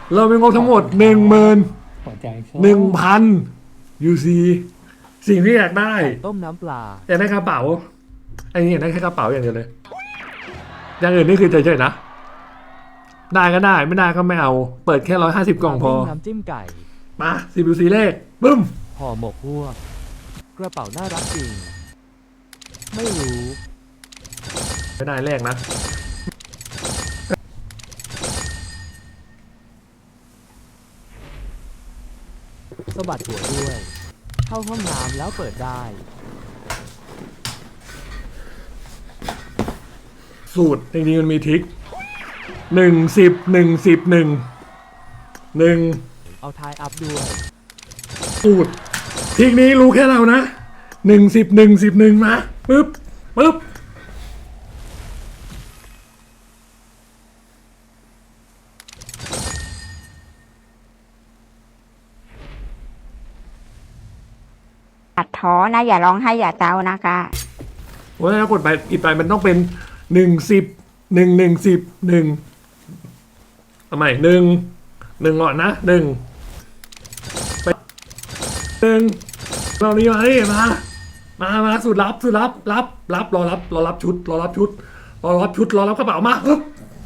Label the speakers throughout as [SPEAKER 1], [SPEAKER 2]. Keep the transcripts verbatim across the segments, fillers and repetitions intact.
[SPEAKER 1] เรามีงบทั้งหมดหนึ่งหมื่นหนึ่งพันยูซีสิ่งที่อยากได้
[SPEAKER 2] ต้มน้ำปลา
[SPEAKER 1] อยากได้กระเป๋าไอ้นี่อยากได้แค่กระเป๋าอย่างเดียวเลยอย่างอื่นนี่คือเฉยๆนะได้ก็ได้ไม่ได้ก็ไม่เอาเปิดแค่ร้อยห้าสิบกล่องพอ
[SPEAKER 2] น้ำจิ้มไก่
[SPEAKER 1] มาสิบยูซีเลขบึ้ม
[SPEAKER 2] ห่อหมกพวก กระเป๋าน่ารักจริง ไม่รู้
[SPEAKER 1] ไม่ได้แรกนะ
[SPEAKER 2] สะบัดหัวด้วย เข้าห้องน้ำแล้วเปิดได้
[SPEAKER 1] สูตรจริงๆมันมีทริคหนึ่งสิบหนึ่งสิบหนึ่งหนึ่ง
[SPEAKER 2] เอาทายอัพด้วย
[SPEAKER 1] สูตรทริคนี้รู้แค่เรานะหนึ่งสิบหนึ่งสิบหนึ่งมาปึ๊บปึ๊บ
[SPEAKER 3] อย่าท้อนะอย่าร้องไห้อย่าเศร้านะคะ
[SPEAKER 1] โอ้ยถ้ากดไปอีกไปมันต้องเป็นหนึ่งสิบหนึ่งหนึ่งสิบหนึ่งทำไมหนึ่งหนึ่งก่อนนะหนึ่งไปหนึ่งเรานี้มาดิมามามาสุดรับสุดรับรับรับรอรับรอรับชุดรอรับชุดรอรับชุดรอรับกระเป๋ามาปึ๊บ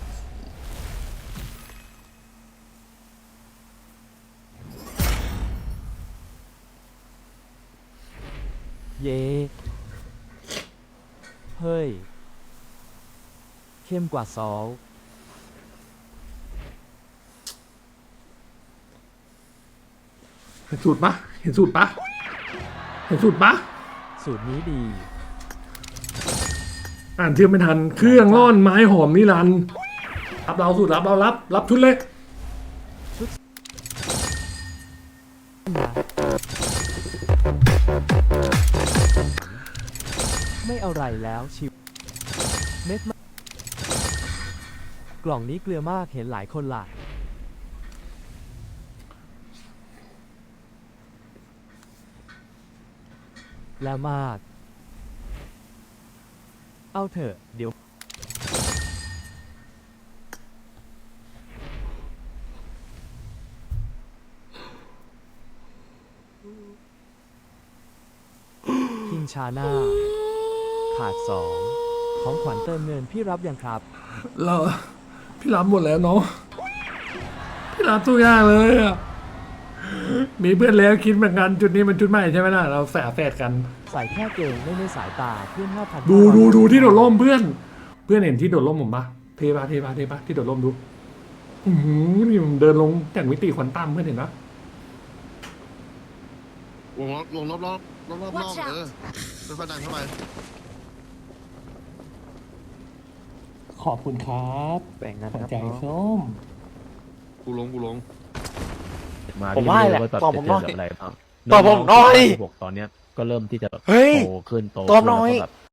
[SPEAKER 2] เย่เฮ้ย เข้มกว่าซอล
[SPEAKER 1] เห็นสูตรปะเห็นสูตรปะเห็นสูตรปะ
[SPEAKER 2] สูตรนี้ดี
[SPEAKER 1] อ่านเทียบไม่ทันเครื่องร่อนไม้หอมนิรันดร์รับเราสูตรรับเรารับรับชุดเลย
[SPEAKER 2] ไม่เอาไรแล้วชิวเม็ดมากกล่องนี้เกลือมากเห็นหลายคนหลายแล้วมาก เอาเถอะเดี๋ยวคิงชาน่าขาดสองของขวัญเติมเงินพี่รับยังครับ
[SPEAKER 1] เราพี่รับหมดแล้วเนาะพี่รับทุกอย่างเลยอะมีเพื่อนแล้วคิดเหมือนกันจุดนี้มันจุดใหม่ใช่ไหมล่ะเราแฝดแฝดกัน
[SPEAKER 2] ใส่แค่เกงไม่ในสายตาเพื่อนห้าพัน
[SPEAKER 1] ดูดูดูที่โดดร่มเพื่อน เพื่อนเห็นที่โดดร่มผมปะเทปะเทปะเทปะที่โดดร่มดูอือหือนี่ผมเดินลงจากมิติควอนตัมเพื่อนเห็นปะ
[SPEAKER 4] วงล็อกลงรอบรอบรอบรอบรอบเออเป็นฟันดันเข้าไป
[SPEAKER 5] ขอบคุณครับแบ่งหัวใจส้ม
[SPEAKER 4] กูลงกูลง
[SPEAKER 6] ผมว่าแหละตอบผมหน่อย
[SPEAKER 7] อะไรบ้าง
[SPEAKER 6] ตอบผมหน่อย
[SPEAKER 7] บอกตอนเนี้ยก็เริ่มที่จะ
[SPEAKER 6] เฮ้ย
[SPEAKER 7] โตขึ้นโต
[SPEAKER 6] ตอบหน่อย
[SPEAKER 7] ขึ้นแล้วก็แบบ